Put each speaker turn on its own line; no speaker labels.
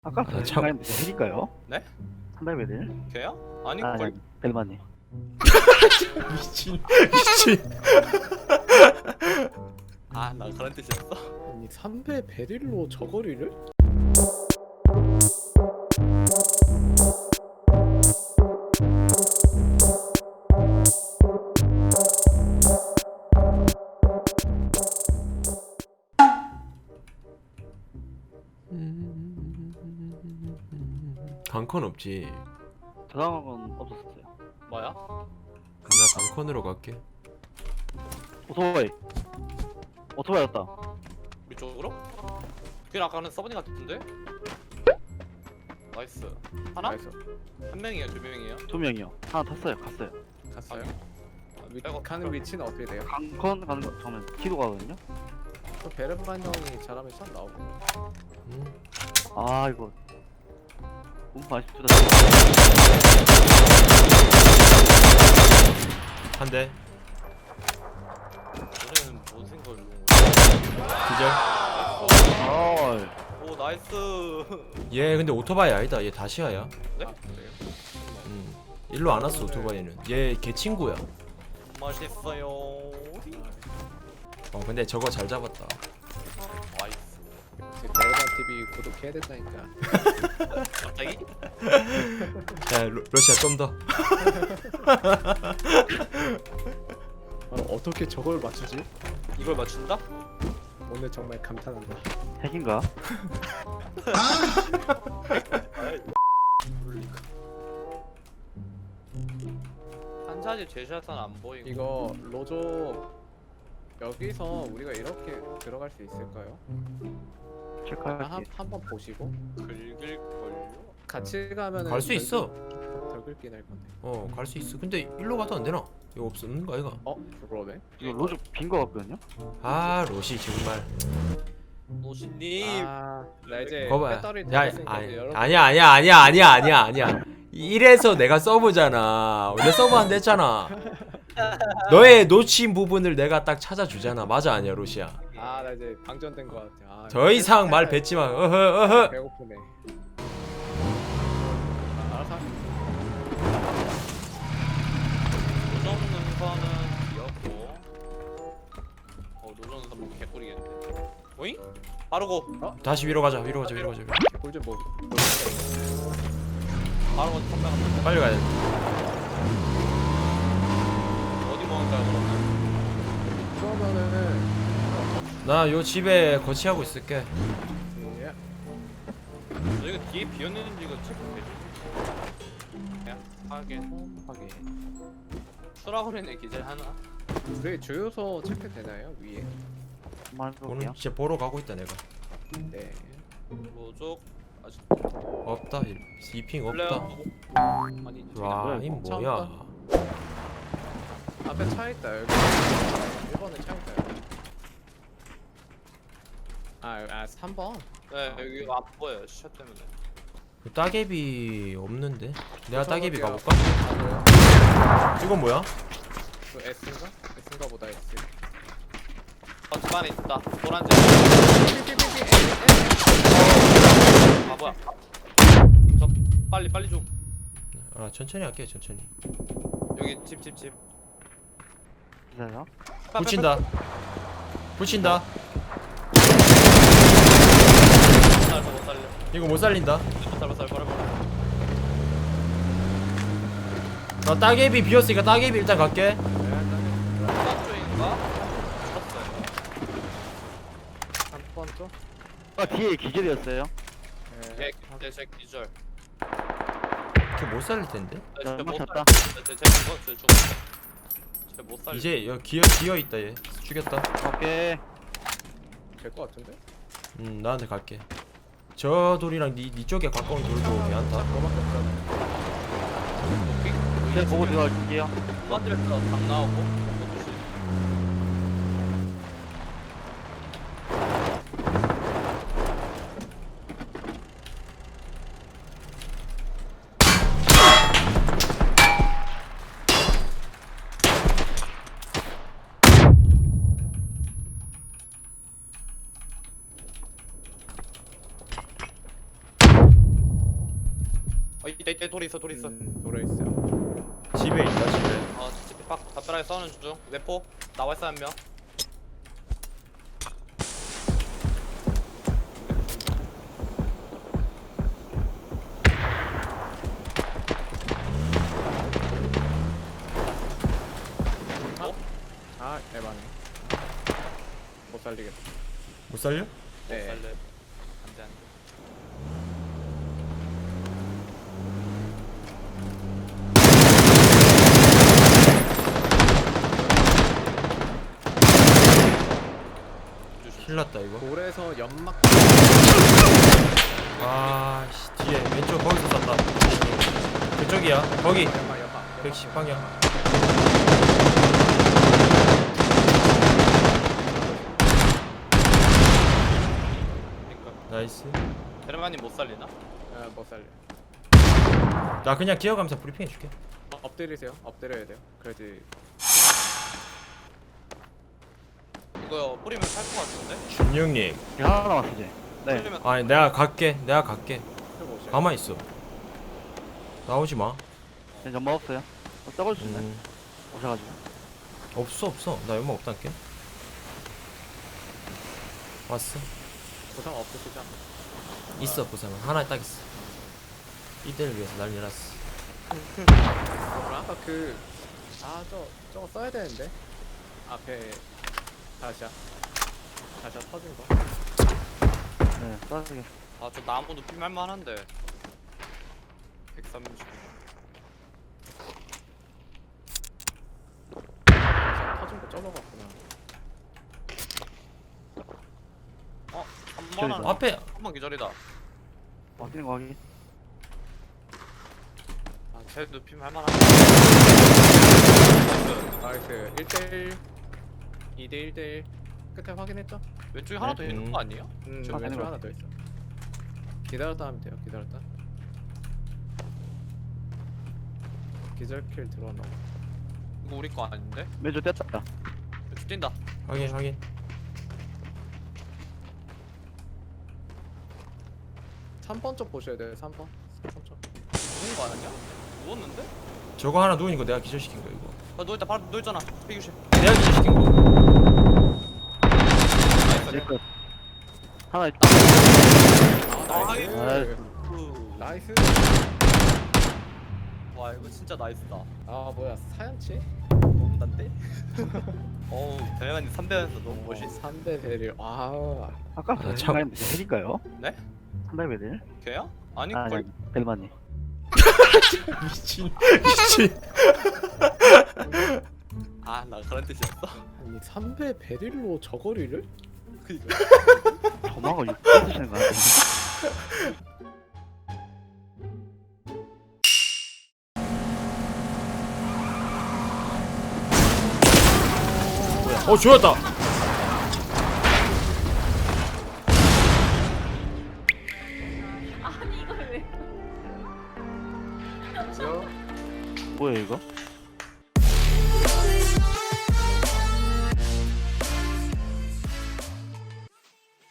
아까
아, 참.
핵일까요?
네?
산발배들?
걔야? 아니
아니,
걸.
벨마님.
미친.
아나 그런 뜻이었어.
아니 3배 베릴로 저거리를?
강컨 없지.
저장한 건 없었어요.
뭐야?
나 강컨으로 갈게.
오토바이. 오토바이였다.
위쪽으로? 그게 아까는 서버니 같은데? 나이스. 하나?
나이스.
한 명이에요? 두 명이에요?
2명이요. 하나 탔어요. 갔어요.
갔어요?
백업.
가는 위치는 어떻게 돼요?
강컨 가는 거 처음에 키도 가거든요.
그 베르만 형이 잘하면 참 나오고.
아 이거 몸 아쉽다.
한 대.
너네는 뭔 생각을 는
기절.
아
오 나이스.
얘 근데 오토바이 아니다. 얘 다시아야.
네?
아 그래요?
일로 안 왔어 오토바이는. 얘 걔 친구야.
맛있어요.
근데 저거 잘 잡았다.
나이스.
역시 베르만 TV 구독해야 된다니까.
갑자기?
야 러시아 좀 더.
어떻게 저걸 맞추지?
이걸 맞춘다?
오늘 정말 감탄한다.
핵인가?
한자지 제시아탄 안 보이고.
이거 로조 여기서 우리가 이렇게 들어갈 수 있을까요?
체크할게.
한번 보시고
긁을 걸요?
같이 가면은
갈 수 있어.
덜 긁긴 할 건데.
갈 수 있어. 근데 일로 가도 안 되나? 이거 없는 거 아이가?
그러네.
이거 로즈 빈거 같거든요.
아 로시 정말.
노신님.
나 이제
거봐.
배터리
야
다 됐으니까
아니야. 이래서 내가 서브잖아. 원래 서브 안 됐잖아. 너의 놓친 부분을 내가 딱 찾아주잖아. 맞아 아니야 로시야?
나 이제 방전된 것 같아.
더 이상 말 뱉지 마. 어허.
배고프네. 알아서.
노정 능선은 귀엽고. 노정 능선 보면 개꿀이겠는데. 오잉? 빠르고.
다시 위로 가자. 위로 가자.
꿀좀 뭐.
빠르고 선배가
빨리 가야 돼.
어디 먹을까요 그러면?
그러면은
나 요 집에 거치하고 있을게.
예.
여기가 뒤에 비었는지 이거 체크해줘. 그냥 확인. 수라그레네 기절 하나.
우리 주유소 체크 되나요 위에?
한번
오늘
해볼게요.
진짜 보러 가고 있다 내가.
네.
로족 아직
없다. 이핑 없다.
플레어. 아니
와, 이 뭐야?
앞에 차 있다 여기. 1번에 차 있다 여기. 3번.
네 여기 안 보여요 시차 때문에.
그 따개비 없는데? 내가 따개비
저거요.
가볼까?
가고요.
이건 뭐야?
그 S인가? S인가 보다 S.
집 안에 있다. 노란색. 아 뭐야? 저 빨리 좀.
천천히 할게 천천히.
여기 집.
기다려.
붙인다.
못 살려.
이거 못 살린다.
못 살려. 버려.
나 따개비 비었으니까 따개비 일단 갈게.
수박 쪽인가? 죽었어요.
3번 쪽?
뒤에 기절이었어요.
네.
제 기절.
걔 못 살릴 텐데.
맞췄다.
쟤못 살려.
이제 여기 기어 있다 얘. 죽였다.
오케이.
될것 같은데?
나한테 갈게. 저 돌이랑 니 쪽에 가까운 돌도 괜찮다.
그거밖에 없잖아.
제가 보고 들어갈게요.
만들었어. 당 나오고. 이때 돌 있어 돌 있어.
돌에 있어요.
집에 있다 집에.
집에 빡 담벼락에 싸우는 중. 외포 나와 있어 한 명.
아 에바네. 못 살리겠다.
못 살려?
네.
살래. 안돼 안돼.
큰일났다 이거.
돌에서 연막.
아씨 뒤에 왼쪽 거기서 쐈다. 그쪽이야. 거기
연막.
110방향.
그러니까
나이스.
데르마님 못 살리나?
못 살려.
나 그냥 기어가면서 브리핑 해줄게.
엎드리세요. 엎드려야 돼요. 그래야지.
이거 뿌리면 살 것 같은데?
준영님.
하나 남았어 이제. 네.
뿌리면
아니 내가 갈게. 내가 갈게.
들고 오셔요.
가만 있어. 나오지 마.
네, 연막 없어요. 썩을 수 있네. 오셔가지고.
없어. 나 연막 없단게. 왔어.
보상 없으시죠?
있어 보상은 하나 딱 있어. 이때를 위해서 난리 났어.
그럼 아까 저거 써야 되는데. 앞에 다시야 터진 거.
네, 쏴주게.
아저 나무도 피말만한데 130.
다시야 터진 거 접어갔구나.
한번은
앞에
한번 기절이다.
확인인 거 확인.
쟤도 피말만한데.
나이스. 1대1 2대1대1 끝에 확인했죠?
왼쪽에 하나 더 있는 거 아니에요?
저
확인해
왼쪽
봐.
하나 더 있어. 기다렸다 하면 돼요. 기다렸다. 기절킬 들어왔나 봐.
이거 우리 거 아닌데?
왼쪽 뗐다.
왼쪽 뛴다.
확인.
3번 쪽 보셔야 돼요. 3번. 3쪽.
누운 거 아니야? 누웠는데?
저거 하나 누우니까 내가 기절시킨 거 이거.
누워있다 바로 누워있잖아. 피규시.
내가 기절시킨 거.
네, 끝. 하나 있다.
나이스. 나이스.
와 이거 진짜 나이스다.
아 뭐야 사연치?
너무 난데? 어우 대만이 3대에서 너무 멋있어.
3대 베릴. 와.
아까
참.
생각했는데 헬인가요?
네?
3대 베릴?
걔야? 아니
아니,
거의
벨만님.
미친.
아나 그런 뜻이었어?
아니 3배 베릴로 저거리를?
그니까
저만거 6대 쓰시는 거 같은데.
좋았다.
아니 이걸 왜?
뭐야 이거?